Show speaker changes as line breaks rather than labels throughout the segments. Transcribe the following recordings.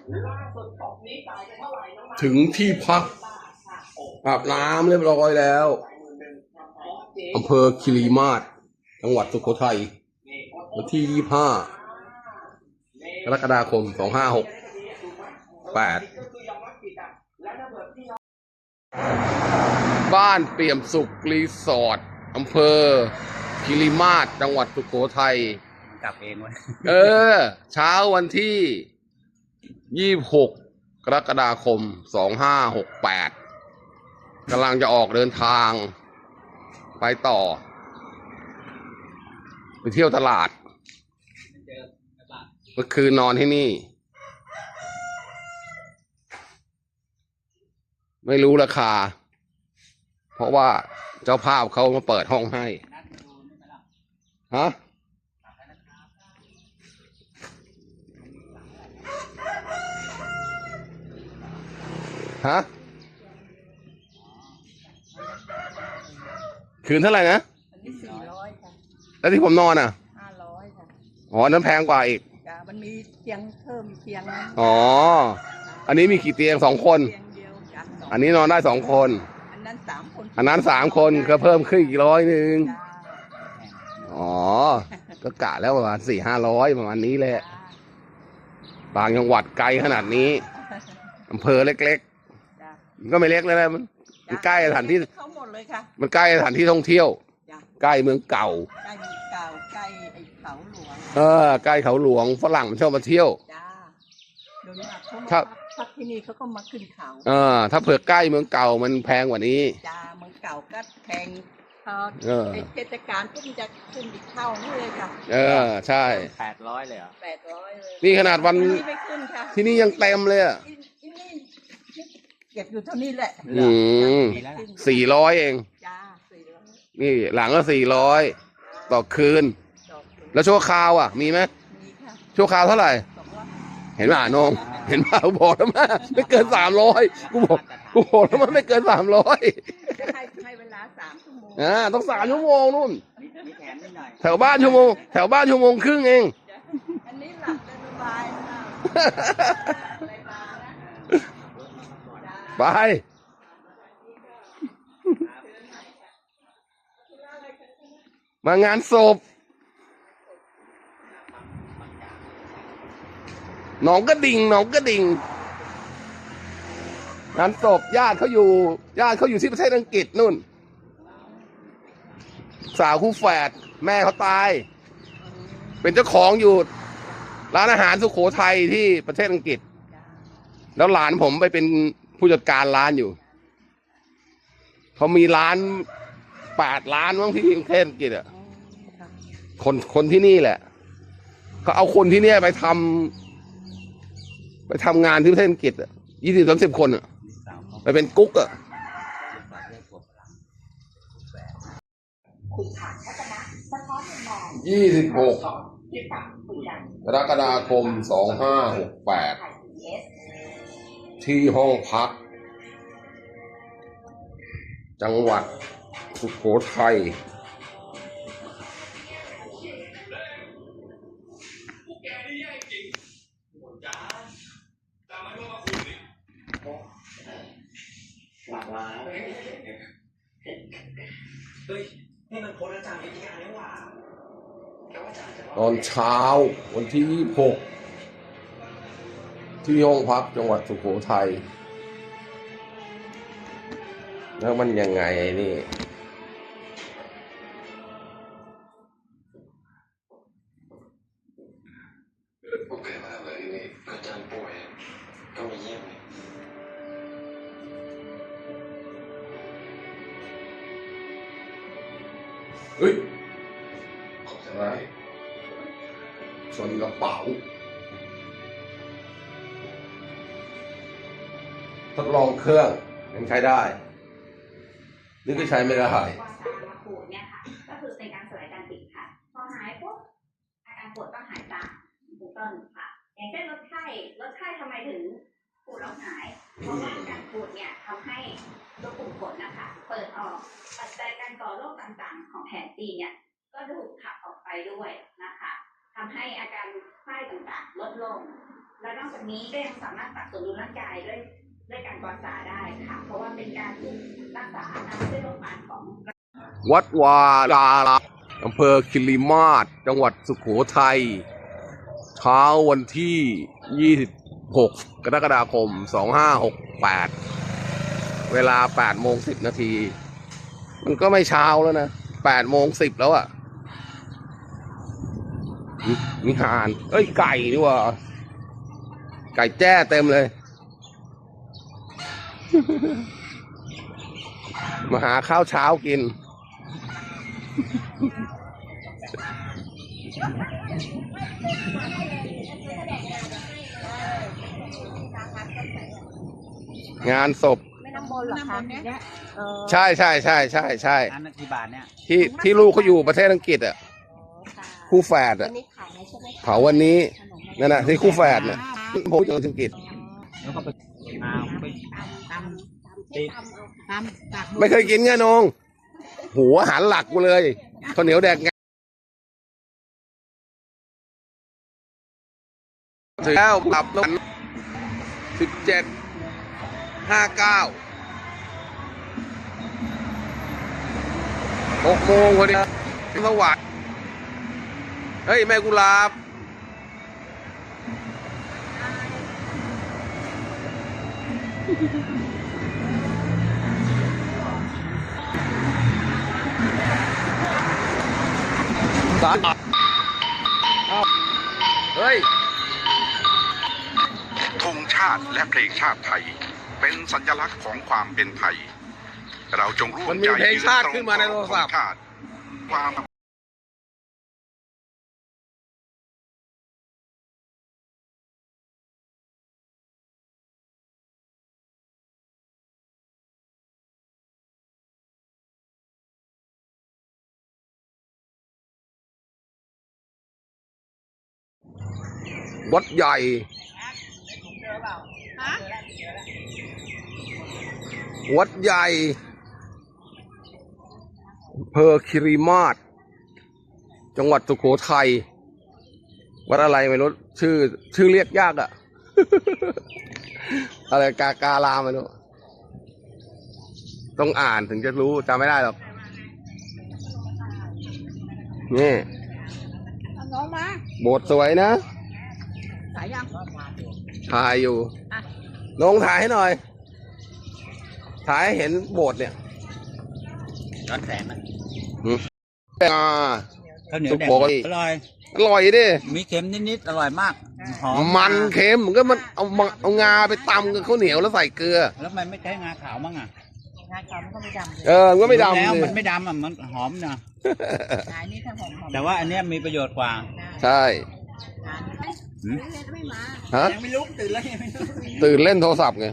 ถึงที่พักอาบน้ำเรียบร้อยแล้วอำเภอคีรีมาศจังหวัดสุโขทัยวันที่25 กรกฎาคม 2568บ้านเปี่ยมสุขรีสอร์ทอำเภอคีรีมาศจังหวัดสุโขทัย
กลับเองวะ
เช้าวันที่26 กรกฎาคม 2568กำลังจะออกเดินทางไปต่อไปเที่ยวตลาดเมื่อคืนนอนที่นี่ไม่รู้ราคาเพราะว่าเจ้าภาพเขามาเปิดห้องให้ฮะคืนเท่าไหร่นะ
อันนี้400ค่ะ
แล้วที่ผมนอนอ่ะ
500ค่ะ
อ๋อนั้นแพงกว่าอีก
มันมีเตียงเพิ่มเตียง
อ๋ออันนี้มีกี่เตียง2 คน
เตียงเดียว
อันนี้นอนได้2 คน
อันนั้น3 คน
อันนั้น3 คนก็เพิ่มขึ้นอีก100อ๋อก็กะแล้วประมาณ400-500ประมาณนี้แหละบางจังหวัดไกลขนาดนี้อำเภอเล็กๆก็ไม่เล็กเลยนะมันใกล้สถานที่
เขาหมดเลยค่ะ
มันใกล้สถานที่ท่องเที่ยวใกล้เมืองเก่า
ใกล้เมืองเก่าใกล้ไอ้เขาหลวง
ใกล้เขาหลวงฝรั่งมันชอบมาเที่ยว
โดยมากเขาพักที่นี่เขาก็มาขึ้นเขา
ถ้าเผื่อใกล้เมืองเก่ามันแพงกว่านี้
เมืองเก่าก็แพงพอเทศกาลก็มันจะขึ้นอีกเท่านี่เลยค่ะ
ใช่
800เลยเหรอ
800เลย
นี่ขนาดวัน
ไม่ขึ้นค่ะ
ที่นี่ยังเต็มเลย
ที่นี่เก็บอยู่เท่านี้แหละ
400เอง
400
นี่หลังก็400ต่อคืนแล้วชั่วคราวมีไหม
มีค่ะ
ชั่วคราวเท่าไหร่เห็นป่ะน้องเห็นป่ะบอกแล้วมั้ยไม่เกิน300กูบอกแล้วมันไม่เกิน300
ให้เวลา3 ชั่วโมง
ต้อง3 ชั่วโมงนู่นแถวบ้านชั่วโมงครึ่งเอง
อันนี้หลับสบาย
ไปมางานศพหนองกระดิ่งงานศพญาติเขาอยู่ที่ประเทศอังกฤษนู่นสาวคู่แฝดแม่เขาตายเป็นเจ้าของอยู่ร้านอาหารสุโขทัยที่ประเทศอังกฤษแล้วหลานผมไปเป็นผู้จัดการร้านอยู่เขามีร้าน8 ร้านมั้งที่ประเทศอังกฤษคนที่นี่แหละเขาเอาคนที่เนี่ยไปทำงานที่ประเทศอังกฤษ20-30 คนไปเป็นกุ๊ก26 กรกฎาคม 2568ที่ห้องพักจังหวัดสุโขทัยตอนเช้าวันที่26ที่ห้องพักจังหวัดสุโขทัยแล้วมันยังไงนี่โอเคมากเลยนี่อาจารย์ป่วยก็มาเยี่ยมเฮ้ยขอบใจชนกระเป๋าทดลองเครื่องยังใช้ได้นี่ก็ใช้ไม่ได้
วาซามาขูดเนี่ยค่ะก็คือเป็นการสลายการติดค่ะพอหายปุ๊บอาการปวดก็หายจากถูกต้องค่ะอย่างเช่นลดไข้ทำไมถึงปวดแล้วหายเพราะว่าการปวดเนี่ยทำให้ตัวกลุ่มขนนะคะเปิดออกปัจจัยการก่อโรคต่างๆของแผลจีเนี่ยก็ถูกขับออกไปด้วยนะคะทำให้อาการไข้ต่างๆลดลงและนอกจากนี้ก็ยังสามารถปรับสมดุลร่างกายด้วยการกอสาได้ค่ะเพราะว่าเป็นการรักษาอาการเส้นโรคปานของ
วัดวาดารามอำเภอคิริมาศจังหวัดสุโขทัยเช้าวันที่ 26 กรกฎาคม 2568 เวลา 8:10 นาที มันก็ไม่เช้าแล้วนะ 8:10 แล้วอ่ะมีห่านเอ้ย ไก่นี่ว่า ไก่แจ้เต็มเลย มาหาข้าวเช้ากิน งานศพ
ไม่น้ำมนต์หรอคะเนี่ย
ใช่ใช่ใช่ใช่ใช่
อันนั้นกี่บาทเนี่ย
ที่ลูกเขาอยู่ประเทศอังกฤษอ่ะ คู่แฝดอ่ะ
วันนี้ขายไหมใช่ไหม
เผาวันนี้นั่นน่ะที่คู่แฝดเนี่ยผมอยู่อังกฤษ
แล้วก็ไปไป
ไม่เคยกินไงนงหัวอาหารหลักกูเลยข้าวเหนียวแดกงาถึงแล้วกลับแล้ว17:59 6 โมงพอดีสวัสดิ์เฮ้ย แม่กุหลาบสารเฮ้ย
ธงชาติและเพลงชาติไทย เป็นสัญลักษณ์ของความเป็นไทย เราจงร่ว
มั
ม
นมี
ใจ
เพลงชาติขึ้นมาในโทรศัพท์
ธงชาติความ
วัดใหญ่ วัดใหญ่อำเภอคิริมาศจังหวัดสุโขทัย วัดอะไรไม่รู้ชื่อเรียกยากอ่ะ อะไรการามไม่รู้ ต้องอ่านถึงจะรู้จำไม่ได้หรอก นี่
น้องมา
โบสถ์สวยนะ
ขายยัง
ถ่ายอยู่
อ่ะ
ลงถ่ายให้หน่อย ถ่ายให้เห็นโบสถ์เนี่ย
ย้อนแสงนะ
อ่า
ข้าวเหนียวแดง
สุโขทัย
อร่อย
อร่อยดิ
มีเค็มนิดๆอร่อยมากหอม
มันเค็มก็มันเอางาไปตำกับข้าวเหนียวแล้วใส่เกลือ
แล้วมันไม่ใช้งาขาวมั้งอ่ะ
งานเขาก็ไม่ดำเลย
มันก็ไม่ดำ
แล้ว
สิ
มันไม่ดำอ่ะมันหอมนะ
งานนี้ถ้าหอม
แต่ว่าอันเนี้ยมีประโยชน์กว่า
ใช่
งาน
หืม
ไม่มา
ฮะ
ยังไม่ลุกตื่นแล้วยังไม่ลุก
ตื่นเล่นโทรศัพท์ไง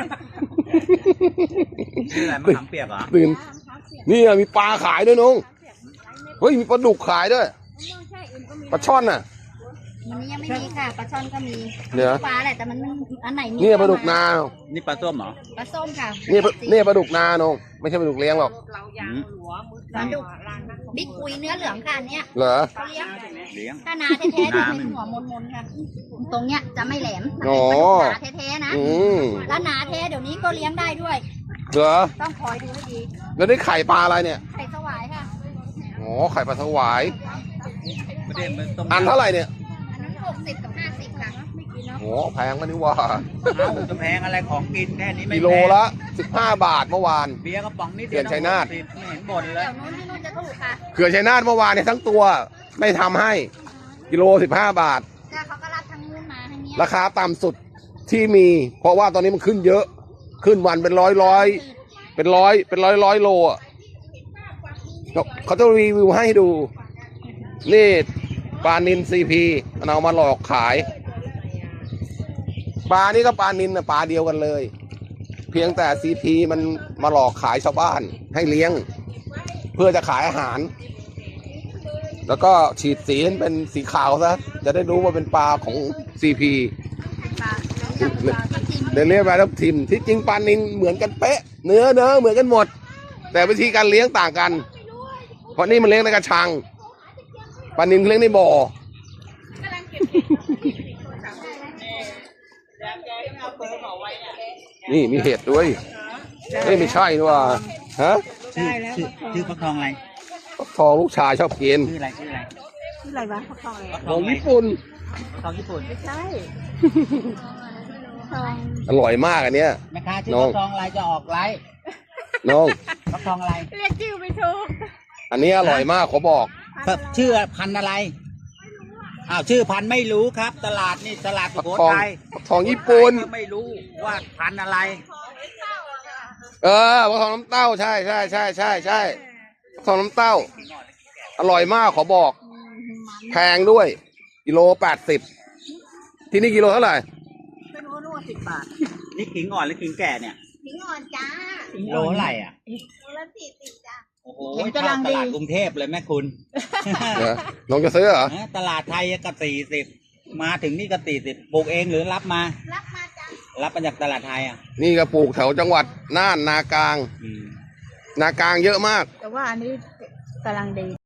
นี่อะไรมะขามเปียกเหรอ
ตื่น นี่อะมีปลาขายด้วยน้องเฮ้ย มีปลาดุกขายด้วย ปลาช่อนน่ะ
วันนี้ยังไม่มีค่ะปลาช่อนก็มี
เนี่ย
ปลาแหละแต่มันอันไหนมี
เนี่ยปลาดุกนา
นี่ปลาส้มเหรอ
ปลาส้มค่ะ
เนี่ยปลาดุกนาน้องไม่ใช่ปลาดุกเลี้ยงหรอก
ปลาดุกบิ๊กอุยเนื้อเหลืองค่ะอันเนี้ย
เหรอ
เขาเลี้ยง
เลี้ยง
ถ้านาแท้ๆจะเป็นหัวมนๆค่ะ ตรงเนี้ยจะไม่แหลม
อ๋อ
ปลาแท้ๆนะ
อืม
แล้วหนาแท้เดี๋ยวนี้ก็เลี้ยงได้ด้วย
เหรอ
ต้องคอยดูให้ดี
แล้วนี่ไข่ปลาอะไรเนี่ย
ไข่สวายค่ะ
อ๋อ ไข่ปลาสวาย
ไม่ได้มันต้ม
อันเท่าไหร่เนี่ย
อันนั้น60กับ50ค่ะ
โอ้แพงกันนี่ว่า
เอ้าจะแพงอะไรของกินแค่นี้ไม่
กิ
แพง
โลละ15 บาทเมื่อวาน
เบียร์กระป๋องนิดเดี
เขื่อนชัยนาท
ไม่เห็นบ่นเล
เดี๋
ย
ยวนู้นที่นู้นจะถูกค่ะ
เขื่อนชัยนาทเมื่อวานเนี่ยทั้งตัวไม่ทำให้ กิโล15 บาท
แต่เขาก็รับทางนู้นมาทางเนี้ย
ราคาต่ำสุดที่มี เพราะว่าตอนนี้มันขึ้นเยอะ ขึ้นวันเป็นร้อยโลอ่ะเขาจะรีวิวให้ดู นี่ปลานินซีพีมันเอามาหลอกขาย ปลานี่ก็ปลานินนะปลาเดียวกันเลย เพียงแต่ซีพีมันมาหลอกขายชาวบ้านให้เลี้ยง เพื่อจะขายอาหาร แล้วก็ฉีดสีให้เป็นสีขาวซะจะได้รู้ว่าเป็นปลาของซีพี
ปลาแล้วปลาทับทิม
เรียกปลาทับทิมที่จริงปลานินเหมือนกันเป๊ะ เนื้อเหมือนกันหมด แต่วิธีการเลี้ยงต่างกัน เพราะนี่มันเลี้ยงในกระชังปลานินเลี้ยงในบ่อ
เอาเบอร์เอาไว้น่ะ
นี่มีเห็ดด้วยเฮ้ยไม่ใช่นี่ว่าฮะ
ได้แล้ว
ชื่อฟักทองอะไร
ฟักทองลูกชายชอบกิน
ชื่ออะไรชื่ออะไร
ชื่ออะไรวะเขาทองอะไร
ฟักท
ข
อ
อง ง
อะไร
ญี่ปุ่น
ฟักทองญี่ปุ่น
ไม่ใช่ทอง
อร่อยมากอันเนี้ย
แม่ค้าชื่อ
น้อง
ฟักทองอะไรจะออกไลฟ์
น้อง
ฟักทองอะไร
เรียกชื่อไม่ถูก
อันนี้อร่อยมากขอบอก
ชื่อพันธุ์อะไรอ้าวชื่อพันธุ์ไม่รู้ครับ ตลาดนี่ตลาดสุ
ฟัก
โข
ทอง
ทัย
ฟักทองญี่ปุ่น
ก็ไม่รู้ว่าพันธุ์อะไร
เออฟักทองน้ำเต้าใช่ใช่ใช่ใช่ใช่ฟักทองน้ำเต้า อร่อยมากขอบอก แพงด้วยกิโล80ที่นี่กิโลเท่าไหร่
ไม่รู้นู่น10 บาท
นี่ขิงอ่อนหรือขิงแก่เนี่ย
ถึงอ่อนจ้า
โลเท่าไหร่อ่ะ
โลละ40จ้า
โอ้โห
เห็น
เท่าก
ำลัง
ต
ดี
ลาดกรุงเทพเลยแม่คุณ
เออน้องจะซื้อเหรอ
ตลาดไทยก็40มาถึงนี่ก็40ปลูกเองหรือรับมา
รับมาจ้า
รับมาจากตลาดไทยอ่ะ
นี่ก็ปลูกแถวจังหวัดน่านนากลาง
อืม
นากลางเยอะมาก
แต่ว่าอันนี้กำลังดี